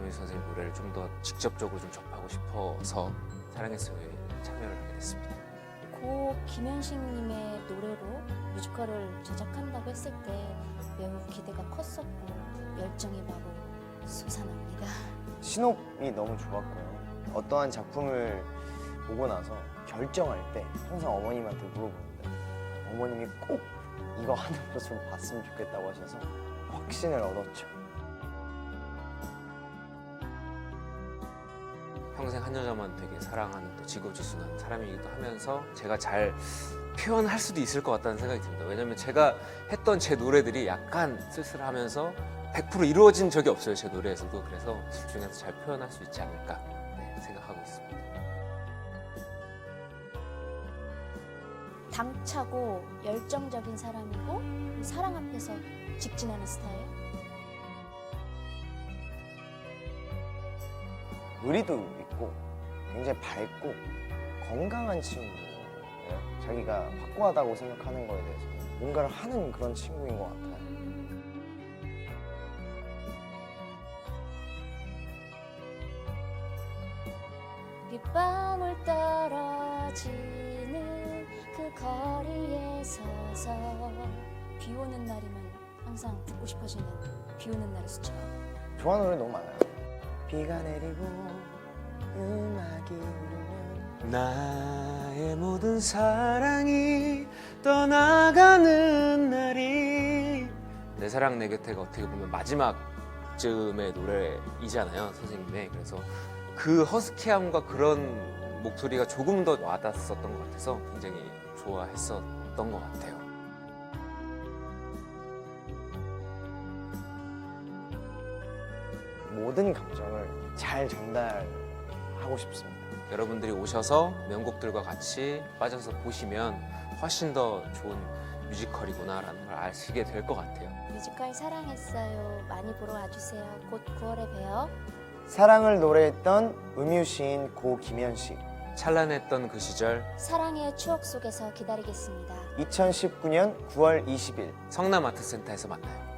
김현식 선생님 노래를 좀 더 직접적으로 좀 접하고 싶어서 사랑했어요에 참여를 하게 됐습니다. 고 김현식님의 노래로 뮤지컬을 제작한다고 했을 때 매우 기대가 컸었고 열정이 바로 솟아납니다. 신호이 너무 좋았고요. 어떠한 작품을 보고 나서 결정할 때 항상 어머님한테 물어보는데 어머님이 꼭 이거 하는 모습을 봤으면 좋겠다고 하셔서 확신을 얻었죠. 평생 한 여자만 되게 사랑하는 또 지고지순한 사람이기도 하면서 제가 잘 표현할 수도 있을 것 같다는 생각이 듭니다. 왜냐면 제가 했던 제 노래들이 약간 쓸쓸하면서 100% 이루어진 적이 없어요, 제 노래에서도. 그래서 둘 중에서 잘 표현할 수 있지 않을까 생각하고 있습니다. 당차고 열정적인 사람이고 사랑 앞에서 직진하는 스타일. 의리도 있고 굉장히 밝고 건강한 친구예요. 자기가 확고하다고 생각하는 거에 대해서 뭔가를 하는 그런 친구인 것 같아요. 빗방울 떨어지는 그 거리에 서서 비 오는 날이면 항상 듣고 싶어지는 비 오는 날의 수채화. 좋아하는 노래 너무 많아요. 비가 내리고 음악이 흐르면 나의 모든 사랑이 떠나가는 날이 내 사랑 내 곁에가 어떻게 보면 마지막쯤의 노래이잖아요, 선생님의. 그래서 그 허스키함과 그런 목소리가 조금 더 와닿았었던 것 같아서 굉장히 좋아했었던 것 같아요. 모든 감정을 잘 전달하고 싶습니다. 여러분들이 오셔서 명곡들과 같이 빠져서 보시면 훨씬 더 좋은 뮤지컬이구나라는 걸 아시게 될 것 같아요. 뮤지컬 사랑했어요. 많이 보러 와주세요. 곧 9월에 봬요. 사랑을 노래했던 음유시인 고 김현식. 찬란했던 그 시절 사랑의 추억 속에서 기다리겠습니다. 2019년 9월 20일 성남아트센터에서 만나요.